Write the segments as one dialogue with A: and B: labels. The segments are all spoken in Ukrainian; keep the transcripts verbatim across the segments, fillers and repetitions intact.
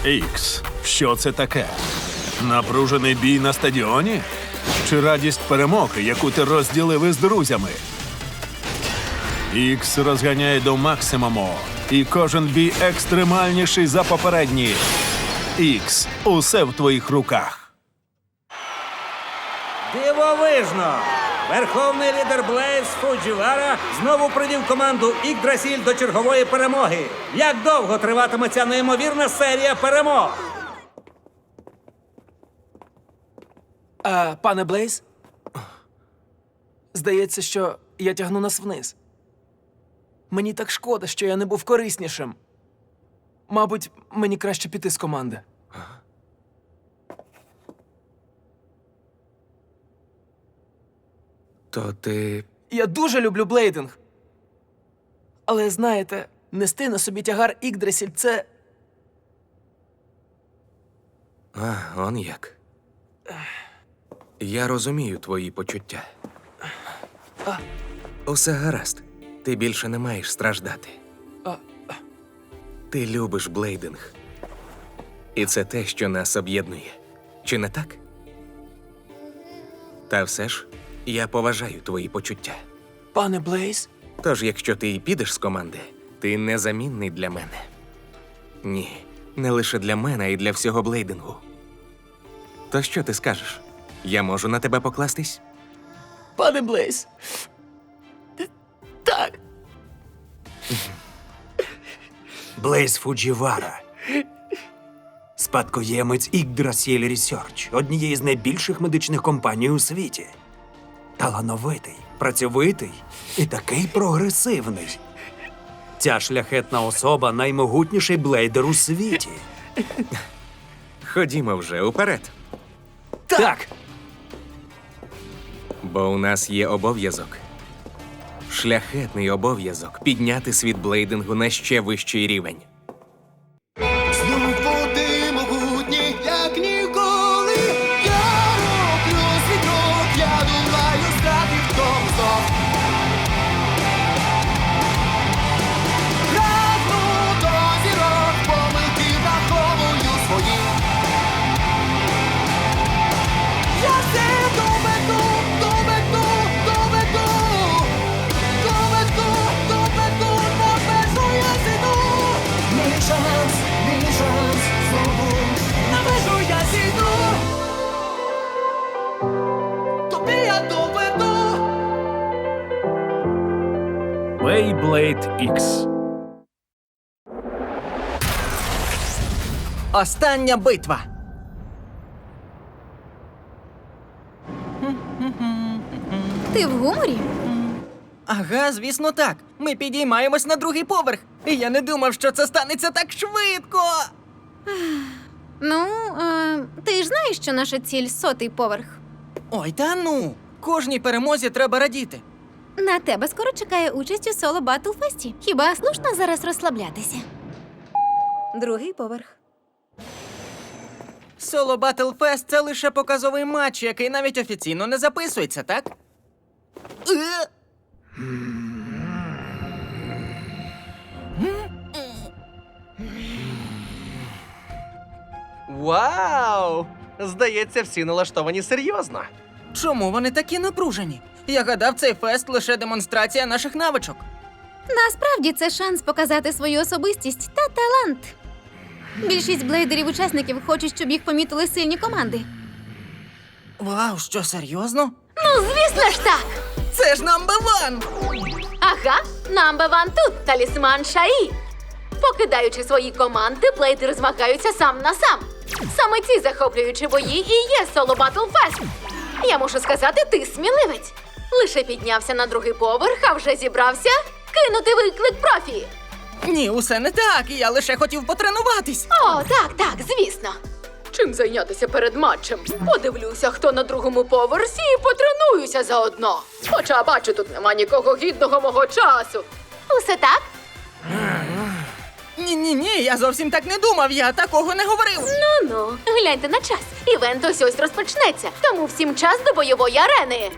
A: Ікс, що це таке? Напружений бій на стадіоні? Чи радість перемоги, яку ти розділив із друзями? Ікс розганяє до максимуму, і кожен бій екстремальніший за попередній. Ікс, усе в твоїх руках.
B: Дивовижно! Верховний лідер Блейз Фуджівара знову привів команду Ікдрасіль до чергової перемоги. Як довго триватиме ця неймовірна серія перемог?
C: А, пане Блейз? Здається, що я тягну нас вниз. Мені так шкода, що я не був кориснішим. Мабуть, мені краще піти з команди.
D: То ти...
C: Я дуже люблю блейдинг. Але, знаєте, нести на собі тягар Ікдрасіль – це...
D: А, он як. Я розумію твої почуття.
C: А.
D: Усе гаразд. Ти більше не маєш страждати.
C: А.
D: Ти любиш блейдинг. І це те, що нас об'єднує. Чи не так? Та все ж, я поважаю твої почуття.
C: Пане Блейз?
D: Тож, якщо ти і підеш з команди, ти незамінний для мене. Ні, не лише для мене, а й для всього блейдингу. То що ти скажеш? Я можу на тебе покластись?
C: Пане Блейз? Так.
E: Блейз Фуджівара. Спадкоємець Ікдрасіль Ресерч, однієї з найбільших медичних компаній у світі. Талановитий, працьовитий і такий прогресивний. Ця шляхетна особа – наймогутніший блейдер у світі.
D: Ходімо вже уперед.
E: Так!
D: Бо у нас є обов'язок. Шляхетний обов'язок підняти світ блейдингу на ще вищий рівень.
F: Знову ти могутній, як ніколи. Я роблю свій крок, я думаю стати в тому знов. Прагну до зірок, помилки враховую свої. Я все доведу, доведу, доведу. Доведу, доведу, на межу я зійду. Мій шанс, мій шанс, знову на межу я зійду. Тобі я доведу.
A: Beyblade Ікс.
G: Остання битва.
H: Ти в гуморі?
G: Ага, звісно, так. Ми підіймаємось на другий поверх. І я не думав, що це станеться так швидко.
H: Ну, е, ти ж знаєш, що наша ціль сотий поверх.
G: Ой, та ну. Кожній перемозі треба радіти.
H: На тебе скоро чекає участь у соло Батлфесті. Хіба слушно зараз розслаблятися? Другий поверх.
G: Соло Battle Fest – це лише показовий матч, який навіть офіційно не записується, так? Е!
I: Вау! Здається, всі налаштовані серйозно.
G: Чому вони такі напружені? Я гадав, цей фест – лише демонстрація наших навичок.
H: Насправді це шанс показати свою особистість та талант. Більшість блейдерів-учасників хочуть, щоб їх помітили сильні команди.
G: Вау, що, серйозно?
H: Ну, звісно ж так!
G: Це ж number one!
J: Ага, number one тут, талісман Шаї. Покидаючи свої команди, блейдери змагаються сам на сам. Саме ці захоплюючі бої і є соло Battle Fest. Я мушу сказати, ти сміливець. Лише піднявся на другий поверх, а вже зібрався кинути виклик профі.
G: Ні, усе не так, я лише хотів потренуватись.
J: О, так, так, звісно. Чим зайнятися перед матчем? Подивлюся, хто на другому поверсі, і потренуюся заодно. Хоча, бачу, тут нема нікого гідного мого часу.
H: Усе так?
G: Ні-ні-ні, я зовсім так не думав, я такого не говорив.
J: Ну-ну, гляньте на час. Івент ось ось розпочнеться, тому всім час до бойової арени.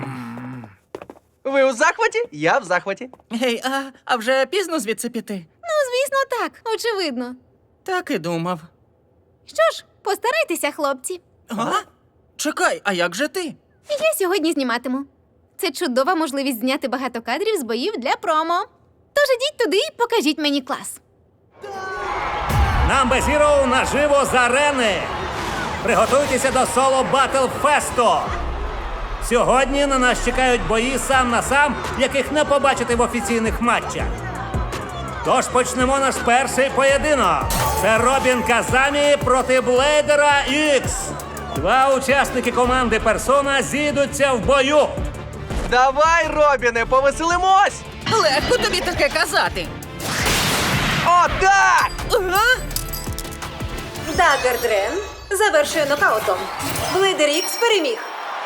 I: Ви у захваті? Я в захваті.
G: Гей, а, а вже пізно звідси піти?
H: звісно, так, очевидно.
G: Так і думав.
H: Що ж, постарайтеся, хлопці.
G: А? Чекай, а як же ти?
H: Я сьогодні зніматиму. Це чудова можливість зняти багато кадрів з боїв для промо. Тож ідіть туди і покажіть мені клас.
B: Number Zero наживо з арени. Приготуйтеся до соло Батл Фесту. Сьогодні на нас чекають бої сам на сам, яких не побачити в офіційних матчах. Тож почнемо наш перший поєдинок. Це Робін Казамі проти Блейдера Ікс. Два учасники команди Персона зійдуться в бою.
I: Давай, Робіне, повеселимось!
G: Легко тобі таке казати.
I: О, так!
G: Ага.
K: Даггер Дрен завершує нокаутом. Блейдер Ікс переміг.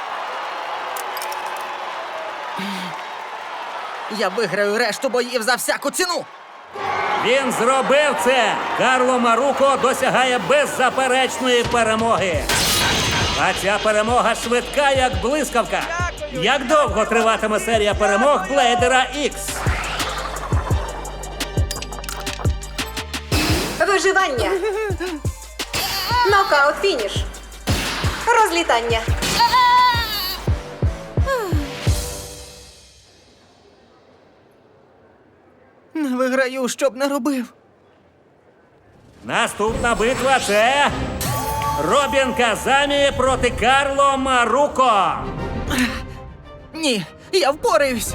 G: Я виграю решту боїв за всяку ціну.
B: Він зробив це. Карло Маруко досягає беззаперечної перемоги. А ця перемога швидка, як блискавка. Як довго триватиме серія перемог Блейдера Ікс?
K: Виживання. Нокаут фініш. Розлітання.
G: Не виграю, що б не робив.
B: Наступна битва – це Робін Казамі проти Карло Маруко.
G: Ні, я впораюсь.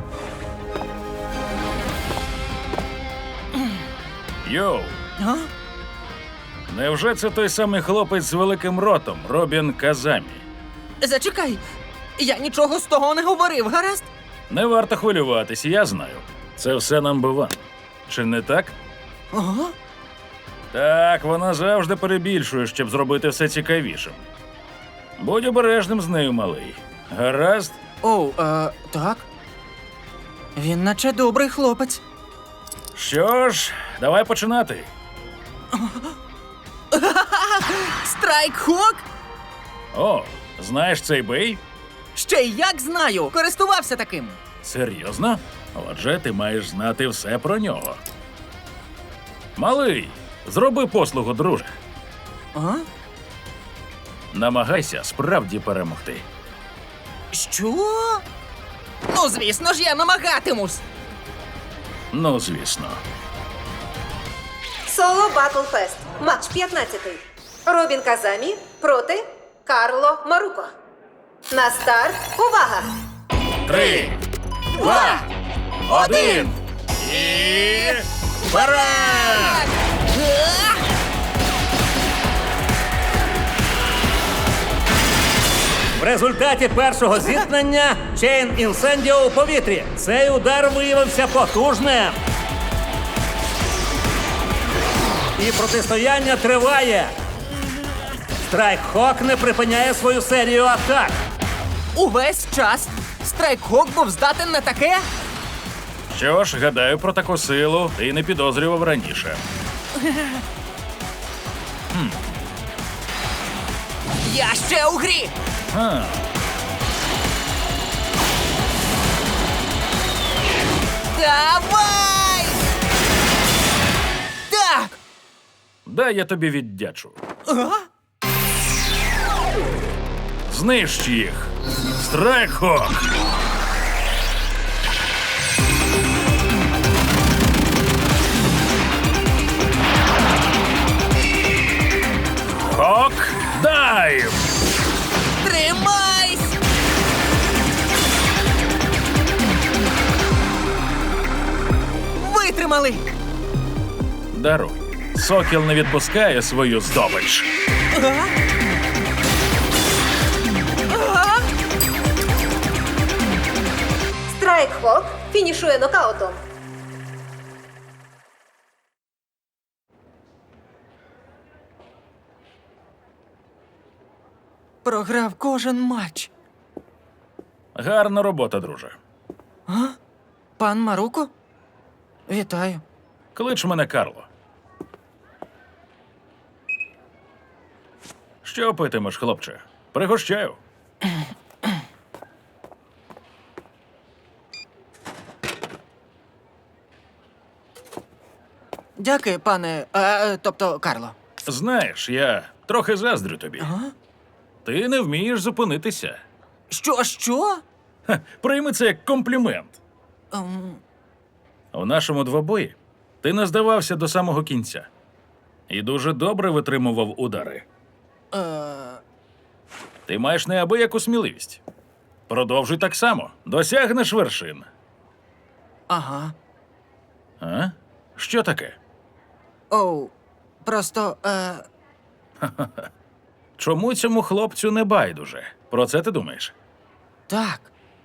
L: Йоу,
G: А?
L: невже це той самий хлопець з великим ротом, Робін Казамі?
G: Зачекай, я нічого з того не говорив, гаразд?
L: Не варто хвилюватись, я знаю. Це все number one. Чи не так?
G: Ага.
L: Так, вона завжди перебільшує, щоб зробити все цікавішим. Будь обережним з нею, малий. Гаразд?
G: Оу, е, так. Він наче добрий хлопець.
L: Що ж, давай починати.
G: Страйк-хок?
L: О, знаєш цей бей?
G: Ще й як знаю, користувався таким.
L: Серйозно? Отже, ти маєш знати все про нього. Малий, зроби послугу, друже.
G: А?
L: Намагайся справді перемогти.
G: Що? Ну, звісно ж, я намагатимусь.
L: Ну, звісно.
K: Соло Батл Фест. Матч п'ятнадцятий. Робін Казамі проти Карло Маруко. На старт. Увага!
L: Три, два, один і вперед!
B: В результаті першого зіткнення Чейн Інсендіо у повітрі. Цей удар виявився потужним. І протистояння триває. Страйк-хок не припиняє свою серію атак.
G: Увесь час Страйк-хок був здатен на таке?
L: Що ж, гадаю, про таку силу ти не підозрював раніше.
G: Я ще у грі!
L: А,
G: Давай! Так!
L: дай я тобі віддячу.
G: А?
L: Знищ їх! Страйк-хок! Хок дайв!
G: Тримайсь! Витримали!
L: Даруй. Сокіл не відпускає свою здобич.
G: А? А?
K: Страйк-хок фінішує нокаутом.
G: Програв кожен матч.
L: Гарна робота, друже.
G: Пан Маруко? Вітаю.
L: Клич мене Карло. Що питимеш, хлопче? Пригощаю.
G: Дякую, пане. Е, тобто, Карло.
L: Знаєш, я трохи заздрю тобі.
G: Ага.
L: Ти не вмієш зупинитися.
G: Що, що?
L: Ха, прийми це як комплімент.
G: Ем,
L: У нашому двобої ти не здавався до самого кінця. І дуже добре витримував удари.
G: е,
L: Ти маєш неабияку сміливість. Продовжуй так само. Досягнеш вершин.
G: ага.
L: А? Що таке?
G: Оу. Просто. Е,
L: Чому цьому хлопцю не байдуже? Про це ти думаєш?
G: так.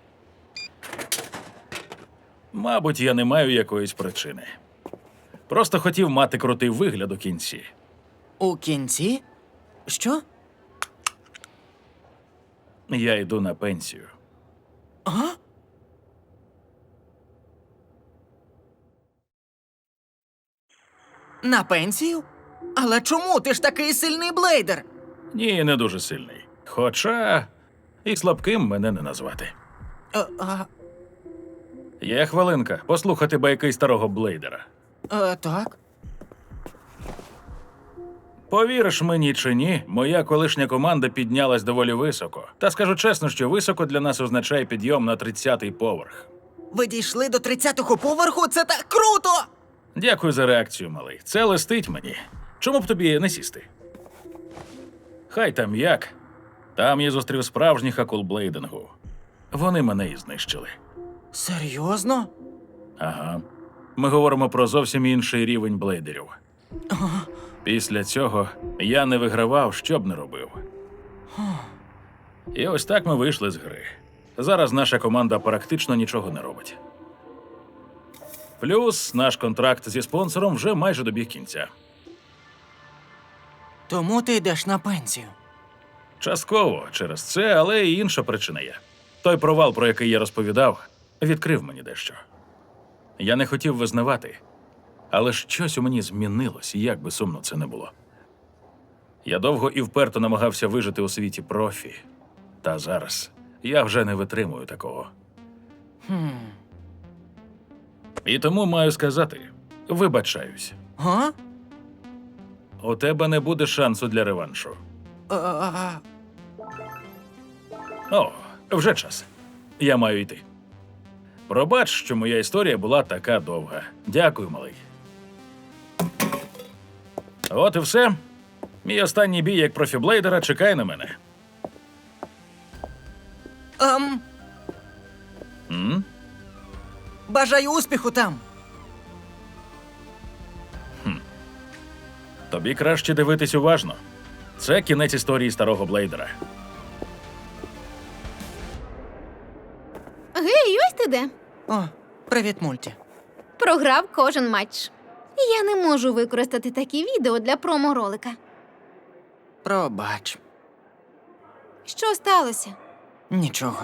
L: Мабуть, я не маю якоїсь причини. Просто хотів мати крутий вигляд у кінці.
G: У кінці? Що?
L: Я йду на пенсію.
G: Ага? На пенсію? Але чому? Ти ж такий сильний блейдер.
L: Ні, не дуже сильний. Хоча і слабким мене не назвати.
G: Е, а,
L: Є хвилинка послухати байки старого блейдера.
G: е, так.
L: Повіриш мені чи ні, моя колишня команда піднялась доволі високо. Та скажу чесно, що високо для нас означає підйом на тридцятий поверх.
G: Ви дійшли до тридцятого поверху? Це так круто!
L: Дякую за реакцію, малий. Це листить мені. Чому б тобі не сісти? Хай там як. Там я зустрів справжніх акул блейдингу. Вони мене і знищили.
G: Серйозно?
L: Ага. Ми говоримо про зовсім інший рівень блейдерів. Після цього я не вигравав, що б не робив. І ось так ми вийшли з гри. Зараз наша команда практично нічого не робить. Плюс наш контракт зі спонсором вже майже добіг кінця.
G: Тому ти йдеш на пенсію.
L: Частково через це, але і інша причина є. Той провал, про який я розповідав, відкрив мені дещо. Я не хотів визнавати, але щось у мені змінилось, як би сумно це не було. Я довго і вперто намагався вижити у світі профі. Та зараз я вже не витримую такого.
G: Хм.
L: І тому маю сказати, вибачаюсь.
G: Га?
L: У тебе не буде шансу для реваншу.
G: Е, а,
L: О, вже час. Я маю йти. Пробач, що моя історія була така довга. Дякую, малий. От і все. Мій останній бій як профіблейдера чекає на мене.
G: ем,
L: М?
G: бажаю успіху там.
L: Тобі краще дивитись уважно. Це кінець історії старого блейдера.
H: Гей, ось ти де.
G: О, привіт, мульті.
H: Програв кожен матч. Я не можу використати такі відео для промо-ролика.
G: Пробач.
H: Що сталося?
G: Нічого.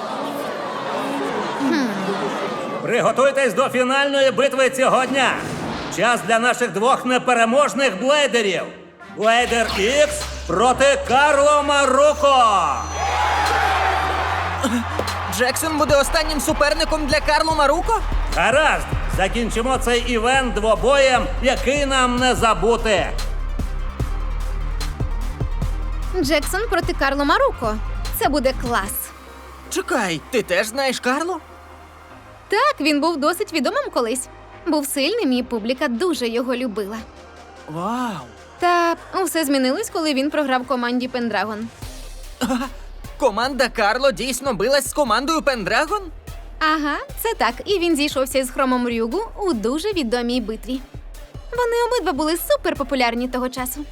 B: Приготуйтесь до фінальної битви цього дня. Час для наших двох непереможних блейдерів. Блейдер Ікс проти Карло Маруко.
G: Джексон буде останнім суперником для Карло Маруко?
B: Гаразд, закінчимо цей івент двобоєм, який нам не забути.
H: Джексон проти Карло Маруко. Це буде клас.
G: Чекай, ти теж знаєш Карло?
H: Так, він був досить відомим колись. Був сильним, і публіка дуже його любила.
G: Вау!
H: Та усе змінилось, коли він програв команді Пендрагон.
G: Команда Карло дійсно билась з командою Пендрагон?
H: Ага, це так. І він зійшовся з Хромом Рюгу у дуже відомій битві. Вони обидва були суперпопулярні того часу.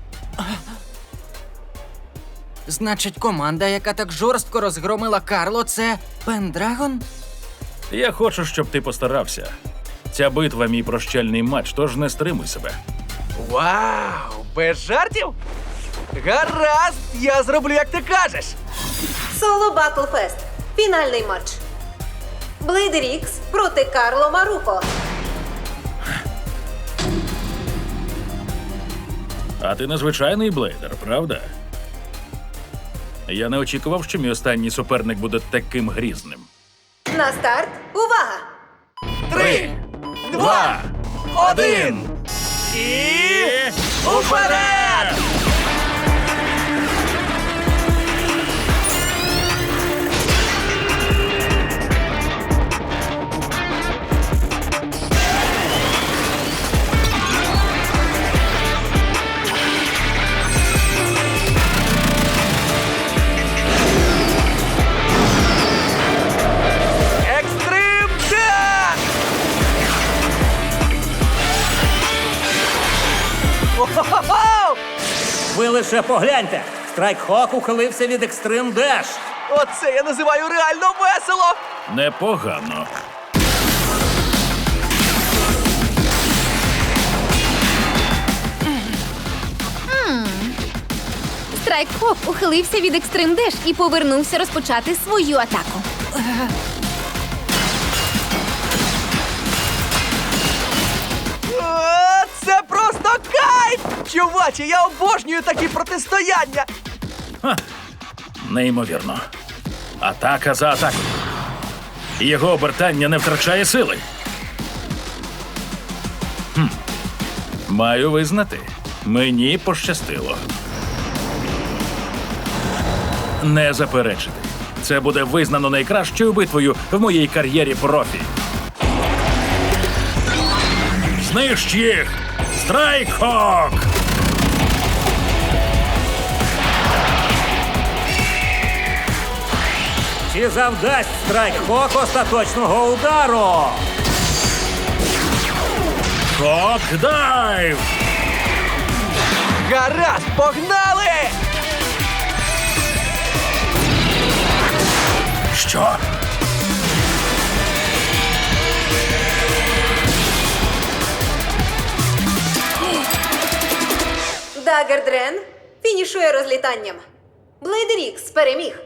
G: Значить, команда, яка так жорстко розгромила Карло, це Пендрагон?
L: Я хочу, щоб ти постарався. Ця битва – мій прощальний матч, тож не стримуй себе.
I: Вау! Без жартів? Гаразд, я зроблю, як ти кажеш.
K: Соло Батл Фест. Фінальний матч. Блейдер Ікс проти Карло Маруко.
L: А ти незвичайний блейдер, правда? Я не очікував, що мій останній суперник буде таким грізним.
K: На старт. Увага!
I: Три, два, один.
L: І... Уперед!
I: Екстрим Деш! О-хо-хо!
B: Ви лише погляньте! Страйкхок ухилився від Екстрим Деш.
I: Оце я називаю реально весело!
L: Непогано.
H: Страйкхок ухилився від Екстрим Деш і повернувся розпочати свою атаку.
I: О, це просто кайф! Чуваче, я обожнюю такі протистояння!
L: Неймовірно. Атака за атакою. Його обертання не втрачає сили. Хм. Маю визнати, мені пощастило. Не заперечити. Це буде визнано найкращою битвою в моїй кар'єрі профі. Знищ їх! Страйкхок!
B: Чи завдасть Страйкхок остаточного удару?
L: Хок-дайв!
I: Гаразд, погнали!
L: Що?
K: Даггер Дрен фінішує розлітанням. Блейдер Ікс переміг.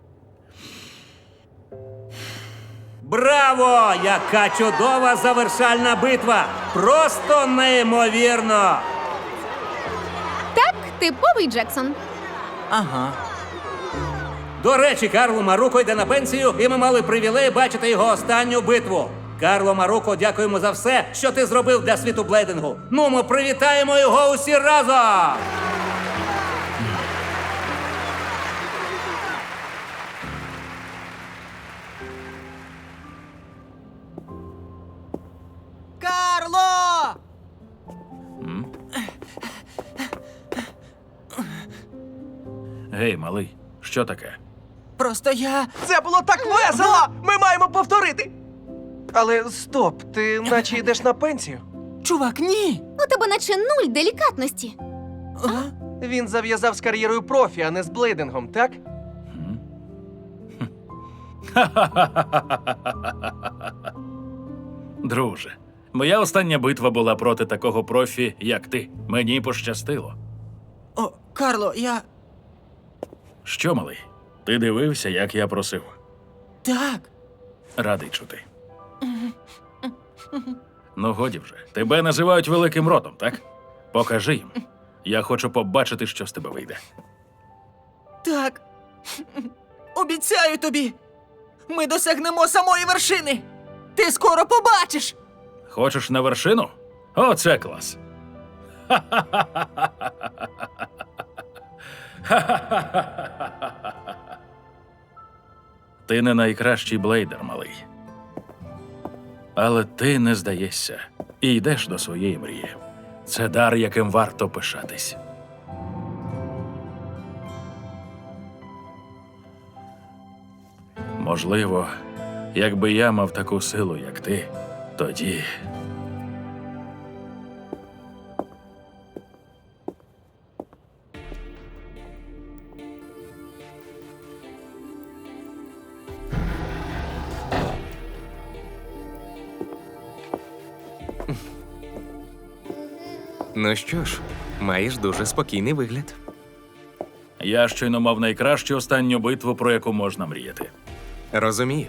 B: Браво! Яка чудова завершальна битва! Просто неймовірно!
H: Так, типовий Джексон.
G: Ага.
B: До речі, Карло Маруко йде на пенсію, і ми мали привілей бачити його останню битву. Карло Маруко, дякуємо за все, що ти зробив для світу блейдингу. Ну, ми привітаємо його усі разом!
G: Карло!
L: Гей, малий, що таке?
G: Просто я.
I: Це було так весело! Ми маємо повторити! Але стоп, ти наче йдеш на пенсію?
G: Чувак, ні!
H: У тебе наче нуль делікатності.
I: Він зав'язав з кар'єрою профі, а не з блейдингом, так?
L: Друже, моя остання битва була проти такого профі, як ти. Мені пощастило.
G: О, Карло, я.
L: Що, малий? Ти дивився, як я просив.
G: Так.
L: Радий чути. Ну, годі вже. Тебе називають великим ротом, так? Покажи їм. Я хочу побачити, що з тебе вийде.
G: Так. Обіцяю тобі. Ми досягнемо самої вершини. Ти скоро побачиш.
L: Хочеш на вершину? О, це клас. Ти не найкращий блейдер, малий. Але ти не здаєшся і йдеш до своєї мрії. Це дар, яким варто пишатись. Можливо, якби я мав таку силу, як ти, тоді.
D: Ну що ж, маєш дуже спокійний вигляд.
L: Я щойно мав найкращу останню битву, про яку можна мріяти.
D: Розумію.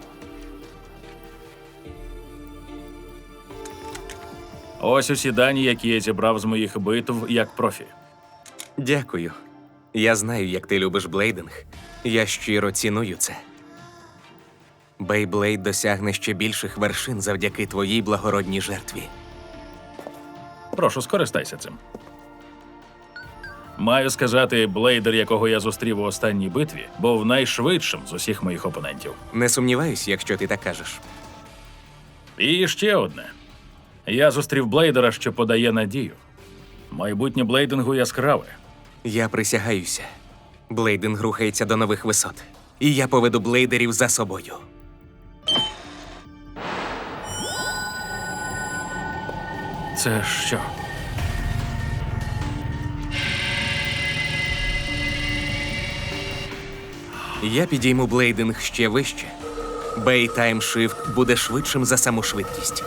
L: Ось усі дані, які я зібрав з моїх битв як профі.
D: Дякую. Я знаю, як ти любиш блейдинг. Я щиро ціную це. Бейблейд досягне ще більших вершин завдяки твоїй благородній жертві.
L: Прошу, скористайся цим. Маю сказати, блейдер, якого я зустрів у останній битві, був найшвидшим з усіх моїх опонентів.
D: Не сумніваюсь, якщо ти так кажеш.
L: І ще одне. Я зустрів блейдера, що подає надію. Майбутнє блейдингу яскраве.
D: Я присягаюся. Блейдинг рухається до нових висот. І я поведу блейдерів за собою.
L: Це що?
D: Я підійму блейдинг ще вище. Бей таймшифт буде швидшим за саму швидкість.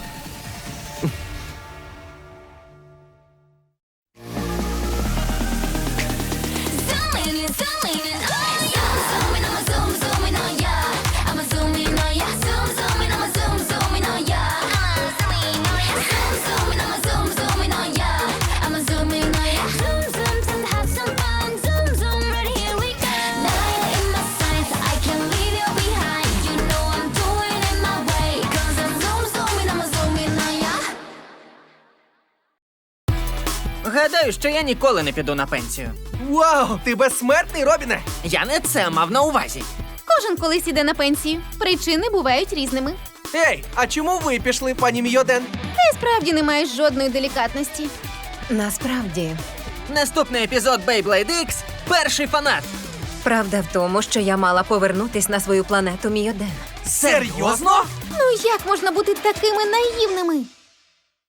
G: Гадаю, що я ніколи не піду на пенсію.
I: Вау, ти безсмертний, Робіне!
G: Я не це мав на увазі.
H: Кожен колись іде на пенсію. Причини бувають різними.
I: Ей, а чому ви пішли, пані Мійоден?
H: Ти справді не маєш жодної делікатності.
K: Насправді,
G: Наступний епізод Beyblade Ікс – перший фанат.
K: правда в тому, що я мала повернутись на свою планету Мійоден.
I: Серйозно?
H: Ну як можна бути такими наївними?